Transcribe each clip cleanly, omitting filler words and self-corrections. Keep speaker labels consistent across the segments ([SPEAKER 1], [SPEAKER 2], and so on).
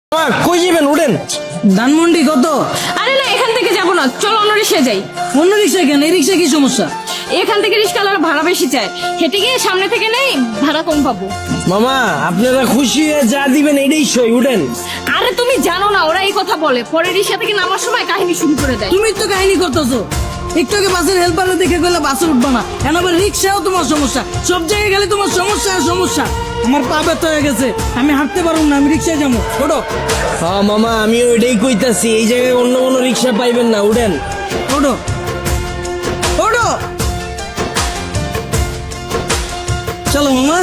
[SPEAKER 1] কই যাবেন? উঠেন।
[SPEAKER 2] ধানমন্ডি কত?
[SPEAKER 3] আরে না, এখান থেকে যাবো না, চলো অন্য রিক্সায় যাই।
[SPEAKER 2] অন্য রিক্সা কেন? এই রিক্সা কি সমস্যা?
[SPEAKER 3] এখান থেকে রিক্সাওয়ালার ভাড়া বেশি চায়, হেঁটে গিয়ে সামনে থেকে নেই, ভাড়া কম পাবো।
[SPEAKER 1] মামা আপনারা খুশি হয়ে যা দিবেন এটাই সই। উঠেন।
[SPEAKER 3] আরে তুমি জানো না, ওরা এই কথা বলে, পরে রিক্সা থেকে নামার সময় কাহিনী শুরু করে দেয়।
[SPEAKER 2] তুমি তো কাহিনী করতেছো। একটু আগে বাসের হেল্পারে দেখে গেলে বাসে উঠবা না, এখন আবার রিক্সাও তোমার সমস্যা। সব জায়গায় গেলে তোমার সমস্যা আর সমস্যা। আমার পা ব্যথা হয়ে গেছে, আমি হাঁটতে পারবো না, আমি রিক্সায় যাবো। ওঠো
[SPEAKER 1] হ্যাঁ মামা, আমি ওইটাই কইতাছি, এই জায়গায় অন্য কোনো রিক্সা পাইবেন না। উঠেন।
[SPEAKER 2] ওঠো ওঠো, চলো মামা।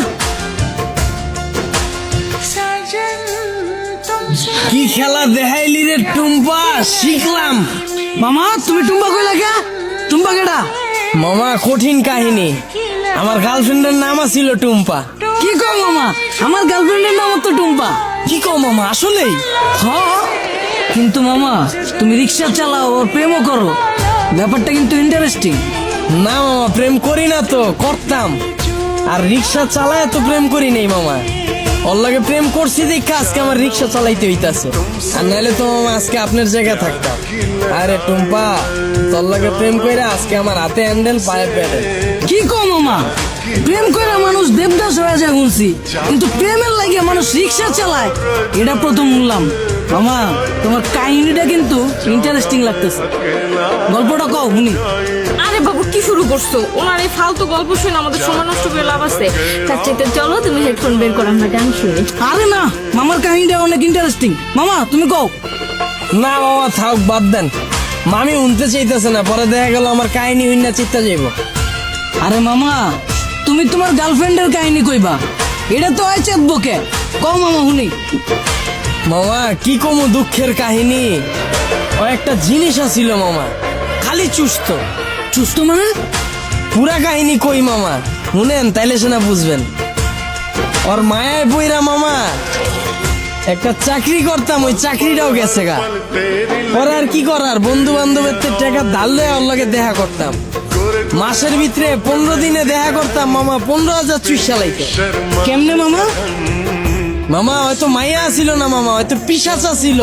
[SPEAKER 1] কি খেলা দেখাইলি রে টুম্পা, শিখলাম।
[SPEAKER 2] মামা তুমি টুম্বা কইলা কে? টুম্বা কেডা?
[SPEAKER 1] মামা কঠিন কাহিনী, আমার গার্লফ্রেন্ডের নাম ছিল টুম্পা।
[SPEAKER 2] কি কো মামা? আমার গার্লফ্রেন্ডের নাম তো টুম্পা।
[SPEAKER 1] কি কও মামা, আসলেই?
[SPEAKER 2] হ্যাঁ, কিন্তু মামা তুমি রিক্সা চালাও আর প্রেমও করো, ব্যাপারটা কিন্তু ইন্টারেস্টিং।
[SPEAKER 1] না মামা, প্রেম করি না তো, করতাম। আর রিক্সা চালায় তো প্রেম করি নাই মামা। ওর লাগে প্রেম করছি দেখে আজকে আমার রিক্সা চালাইতে হইতাছে, আর নাহলে তো মামা আজকে আপনার জায়গায় থাকতাম। আরে টুম্পা, তোর লাগে প্রেম কইরা আজকে আমার হাতে হ্যান্ডেল, পায়ে প্যাডেল।
[SPEAKER 2] কি কো মামা? প্রেম করে মানুষ দেবদাস হয়ে যায় শুনছি, কিন্তু প্রেমের লাগে মানুষ রিক্সা চালায় এটা প্রথম শুনলাম। মামা তোমার কাহিনীটা কিন্তু ইন্টারেস্টিং লাগতেছে, গল্পটা কও শুনি।
[SPEAKER 3] আরে বাবু কি শুরু করছো? ওনার এই ফালতু গল্প শুনে আমাদের সময় নষ্ট করে লাভ আছে। তার চাইতে চলো তুমি হেডফোন বের করো, আমরা গান শুনি।
[SPEAKER 2] আরে না, মামার কাহিনীটা অনেক ইন্টারেস্টিং। মামা তুমি কও।
[SPEAKER 1] না মামা থাক, বাদ দেন। মামি উনতে চাইতেছে না, পরে দেখা গেল আমার কাহিনী হইনা চিত্তা যাইব।
[SPEAKER 2] আরে মামা তুমি তোমার গার্লফ্রেন্ডের কাহিনী কইবা, এটা তো হয় চেতবকে। কও মামা শুনি।
[SPEAKER 1] মামা কি কমু দুঃখের কাহিনী, ও একটা জিনিস আছিল মামা, খালি চুস্ত।
[SPEAKER 2] সুস্থ মানে?
[SPEAKER 1] পুরা কাহিনী কই মামা, শুনেন তাইলে সেনা বুঝবেন। ওর মায়ায় বইরা মামা একটা চাকরি করতাম, ওই চাকরিটাও গেছে গা। ওর আর কি করার, বন্ধু বান্ধবের টাকা ধার লয়ে ওর লগে দেখা করতাম। মাসের ভিতরে 15 দিনে দেখা করতাম মামা, 15,000 চুইসা লাইতো।
[SPEAKER 2] কেমনে মামা?
[SPEAKER 1] মামা হয়তো মাইয়া ছিল না মামা, হয়তো পিশাচা ছিল,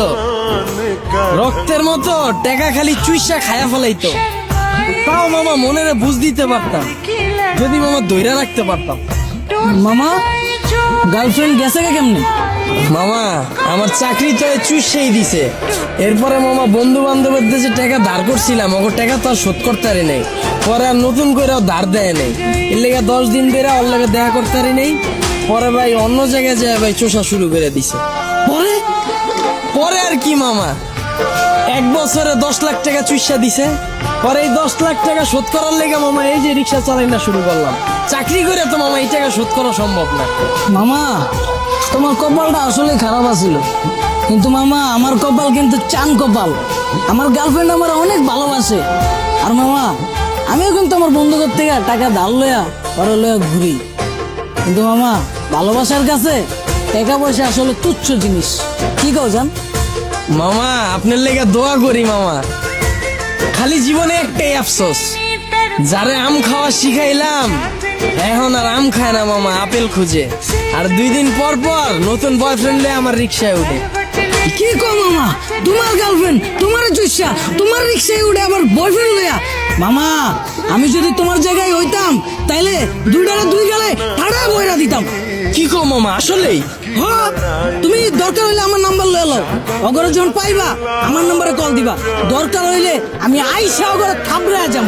[SPEAKER 1] রক্তের মতো টাকা খালি চুইসা খায়া ফেলাইতো। তাও মামা মনের বুঝ দিতে পারতাম, যদি মামা দইরা রাখতে পারতাম।
[SPEAKER 2] মামা গার্লফ্রেন্ড গেছে কে কেমনে?
[SPEAKER 1] মামা আমার চাকরি তো চুষেই দিছে। এরপরে মামা বন্ধু বান্ধবের যে টাকা ধার করছিলাম, ওর টাকা তো আর শোধ করতে পারি নাই। পরে আর নতুন করে ধার দেয় নাই, এর লেগে 10 দিন ধরে ওর লাগে দেখা করতে পারি নাই। পরে ভাই অন্য জায়গায় যায় ভাই চোষা শুরু করে দিছে।
[SPEAKER 2] পরে
[SPEAKER 1] পরে আর কি মামা, 1 বছরে 10 লাখ টাকা চুষা দিছে। পরে এই 10 লাখ টাকা শোধ করার লেগে মামা এই যে রিক্সা চালাই না শুরু করলাম। চাকরি করে তো মামা এই টাকা শোধ করা সম্ভব না।
[SPEAKER 2] মামা তোমার কপালটা আসলে খারাপ আছিল, কিন্তু মামা আমার কপাল কিন্তু চান কপাল। আমার গার্লফ্রেন্ড আমার অনেক ভালোবাসে, আর মামা আমিও কিন্তু আমার বন্ধুদের থেকে টাকা ধার লয়া পরে লয়া ঘুরি। কিন্তু মামা ভালোবাসার কাছে টাকা পয়সা আসলে তুচ্ছ জিনিস। কি কও জান?
[SPEAKER 1] মামা আপনার লেগে দোয়া করি মামা, খালি জীবনে একটাই আফসোস, যারে আম খাওয়া শিখাইলাম এখন আর আম খায় না মামা, আপেল খুঁজে। আর 2 দিন পর পর নতুন বয়ফ্রেন্ড লয়ে আমার রিক্সায় উঠে।
[SPEAKER 2] কি কো মামা? তোমার গার্লফ্রেন্ড তোমার চুষা তোমার রিক্সায় উঠে আবার বয়ফ্রেন্ড লয়া? মামা আমি যদি তোমার জায়গায় হইতাম তাইলে 2 গালে ঠাড়া বইরা দিতাম।
[SPEAKER 1] কি কো মামা, আসলেই?
[SPEAKER 2] হ্যাঁ, তুমি দরকার হইলে আমার নাম্বার লয়ে লও, অগরে যখন পাইবা আমার নম্বরে কল দিবা। দরকার হইলে আমি আইসা অগরে থাবড়ে যাম।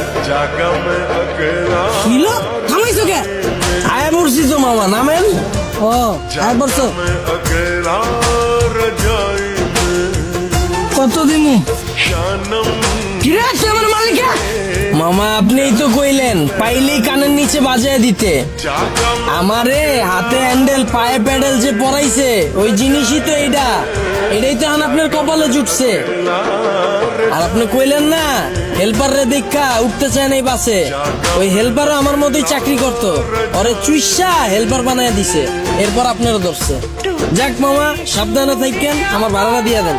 [SPEAKER 2] কিলো থামাইছো কে?
[SPEAKER 1] আয়া পড়ছি তো মামা, নামেন।
[SPEAKER 2] ও আর বলছো কত দিমু? কিরে তুই আমার মালিকা?
[SPEAKER 1] মামা আপনিই তো কইলেন পাইলেই কানের নিচে বাজায় দিতে। আমারে হাতে হ্যান্ডেল পায়ে প্যাডেল যে পরাইছে ওই জিনিসই তো এইটা, এটাই তো এখন আপনার কপালে জুটছে। আর আপনি কইলেন না হেল্পার রে দেখা উঠতে চায় নাই বাসে, ওই হেল্পারও আমার মতোই চাকরি করতো, ওরে চুইসা হেল্পার বানায় দিছে, এরপর আপনারও ধরছে। যাক মামা সাবধানে থাকেন, আমার ভাড়াটা দিয়ে দেন।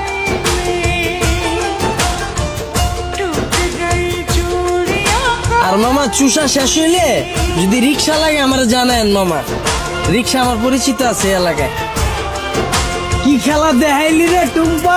[SPEAKER 1] আর মামা চুষা শেষ হইলে যদি রিক্সা লাগে আমার জানেন মামা, রিক্সা আমার পরিচিত আছে এলাকায়। কি খেলা দেখাইলি রে টুম্পা।